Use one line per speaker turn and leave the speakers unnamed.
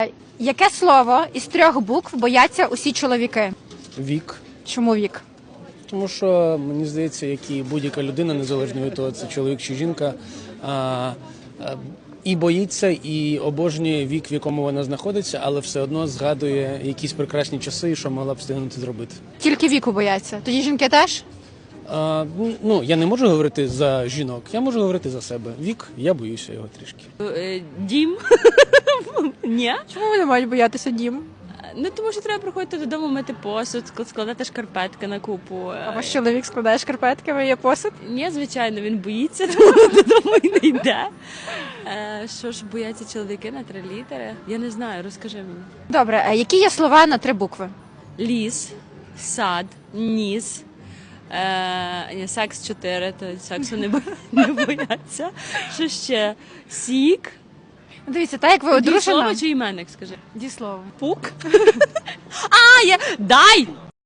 Яке слово із 3 букв бояться усі чоловіки?
Вік.
Чому вік?
Тому що, мені здається, як і будь-яка людина, незалежно від того, це чоловік чи жінка, і боїться, і обожнює вік, в якому вона знаходиться, але все одно згадує якісь прекрасні часи, що могла б встигнути зробити.
Тільки віку бояться. Тоді жінки теж?
Я не можу говорити за жінок, я можу говорити за себе. Вік, я боюся його трішки.
Дім. Ні.
Чому вони мають боятися дім?
Ну, тому що треба приходити додому, мити посуд, складати шкарпетки на купу.
А ваш чоловік складає шкарпетки, миє посуд?
Ні, звичайно, він боїться, тому додому і не йде. Що ж бояться чоловіки на 3 літери? Я не знаю, розкажи мені.
Добре, а які є слова на 3 букви?
Ліс, сад, ніс. Секс 4, то сексу не бояться. Що ще? Сік.
Дивіться, так як ви
Дієслово
одружена...
чи іменник, скажи?
Дієслово.
Пук. Дай!